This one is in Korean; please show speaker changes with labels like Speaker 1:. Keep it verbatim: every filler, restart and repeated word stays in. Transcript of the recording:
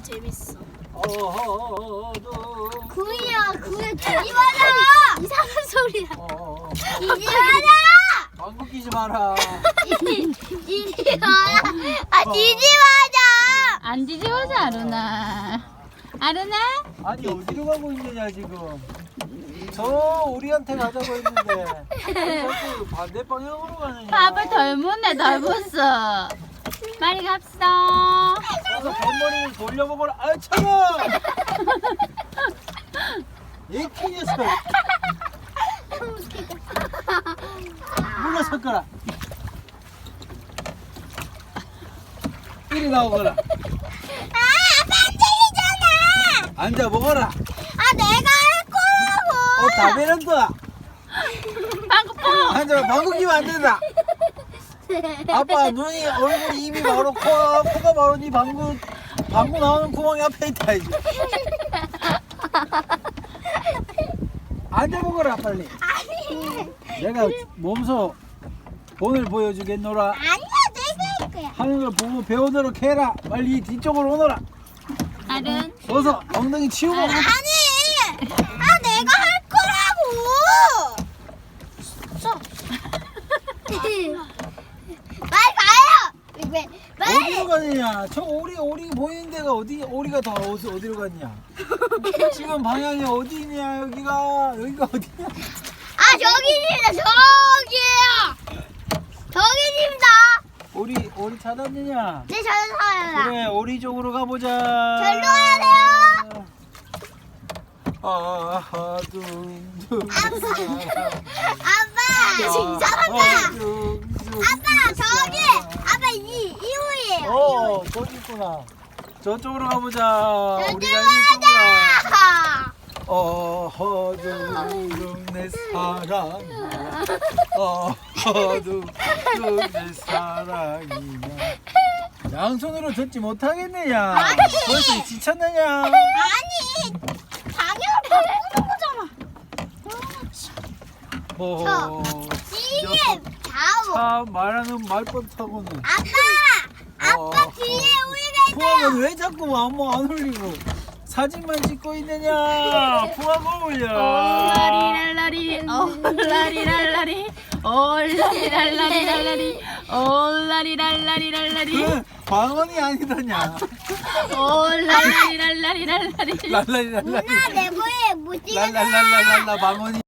Speaker 1: 재밌어.
Speaker 2: 어허도
Speaker 1: 구이야 구이 뒤집어져. 이상한 소리야.
Speaker 2: 어
Speaker 1: 뒤집어져.
Speaker 2: 방귀 끼지 마라.
Speaker 1: 뒤집어져. 아 뒤집어져.
Speaker 3: 안 뒤집어져 아루나. 아루나?
Speaker 2: 아니 어디로 가고 있느냐 지금. 저 우리한테 가자고 했는데 자꾸 반대 방향으로 가느냐.
Speaker 3: 밥을 덜 묻네 덜 묻어. 빨리 갑시다.
Speaker 2: 가서 뱃머리를 돌려보거라. 아 차가. 이키 녀석. 물러섰거라. 이리 나오거라.
Speaker 1: 아 아빠 안 들리잖아.
Speaker 2: 앉아 먹어라.
Speaker 1: 아 내가 할 거라고.
Speaker 2: 어 다베란다.
Speaker 3: 방구 뽕.
Speaker 2: 앉아 방귀 끼면 안 된다. 아빠 눈이 얼굴이 입이 바로 코가 코가 바로 네 방구 방구 나오는 구멍이 앞에 있다 이제. 앉아 먹어라 빨리. 내가 몸소 오늘 보여주겠노라.
Speaker 1: 아니야 내가 할 거야.
Speaker 2: 하는 걸 보고 배우도록 해라. 빨리 뒤쪽으로 오너라.
Speaker 3: 아른.
Speaker 2: 어서 엉덩이 치우고.
Speaker 1: 아니 아 내가 할 거라고. 빨리 가요. 왜 빨리.
Speaker 2: 어디로 가느냐? 저 오리 오리 보이는 데가 어디 오리가 다 어디 어디로 갔냐? 지금 방향이 어디냐? 여기가 여기가 어디냐?
Speaker 1: 아 저기입니다 저기요. 저기입니다.
Speaker 2: 오리 오리 찾았느냐?
Speaker 1: 네 저는 사요.
Speaker 2: 그래 오리 쪽으로 가보자.
Speaker 1: 절로 가야 돼요.
Speaker 2: 아하 둥둥.
Speaker 1: 아빠 지금 이상하다. 아빠 저기 아빠 이 이호이에요.
Speaker 2: 어 저기 있구나. 저쪽으로 가보자.
Speaker 1: 저쪽
Speaker 2: 우리가 이쪽으로.
Speaker 1: 가자.
Speaker 2: 어허둥둥 내 사랑이야. 어허둥둥 내 사랑이야. 양손으로 젓지 못하겠느냐? 벌써 지쳤느냐?
Speaker 1: 아니 방향을 바꾸는 거잖아.
Speaker 2: 어,
Speaker 1: 이게 좌우.
Speaker 2: 참 말하는 말버릇하고는.
Speaker 1: 아빠 아빠
Speaker 2: 어,
Speaker 1: 뒤에 우리가 있어요.
Speaker 2: 풍악은 왜 자꾸 아무 안 올리고 사진만 찍고 있느냐? 풍악 올려.
Speaker 3: 올라리랄라리 올라리랄라리 올라리랄라리랄라리 올라리랄라리랄라리
Speaker 2: 그 방언이 아니더냐?
Speaker 3: 올라리랄라리랄라리
Speaker 2: 랄라리 랄라리
Speaker 1: 누나 내 보에 못 찍어줘.
Speaker 2: 랄랄랄랄랄라 방언이.